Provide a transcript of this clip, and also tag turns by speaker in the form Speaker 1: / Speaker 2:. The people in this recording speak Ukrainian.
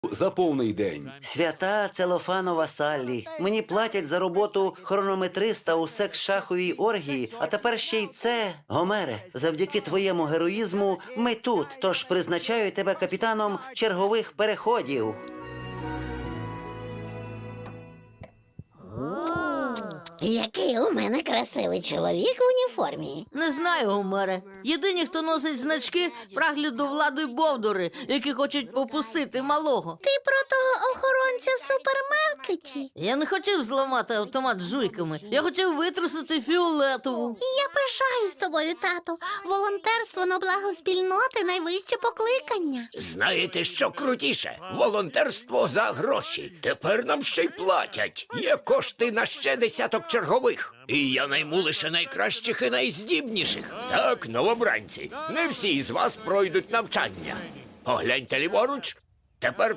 Speaker 1: за повний день.
Speaker 2: Свята целофанова Саллі. Мені платять за роботу хронометриста у секс-шаховій оргії, а тепер ще й це. Гомере, завдяки твоєму героїзму ми тут, тож призначаю тебе капітаном чергових переходів.
Speaker 3: Який у мене красивий чоловік в уніформі.
Speaker 4: Не знаю, Гомере. Єдині, хто носить значки з прагляду влади бовдури, які хочуть попустити малого.
Speaker 3: Ти про того охоронця в супермаркеті?
Speaker 4: Я не хотів зламати автомат з жуйками. Я хотів витрусити фіолетову.
Speaker 3: Я пишаюсь тобою, тато. Волонтерство на благо спільноти – найвище покликання.
Speaker 5: Знаєте, що крутіше? Волонтерство за гроші. Тепер нам ще й платять. Є кошти на ще десяток чергових. І я найму лише найкращих і найздібніших. Так, новобранці, не всі з вас пройдуть навчання. Погляньте ліворуч. Тепер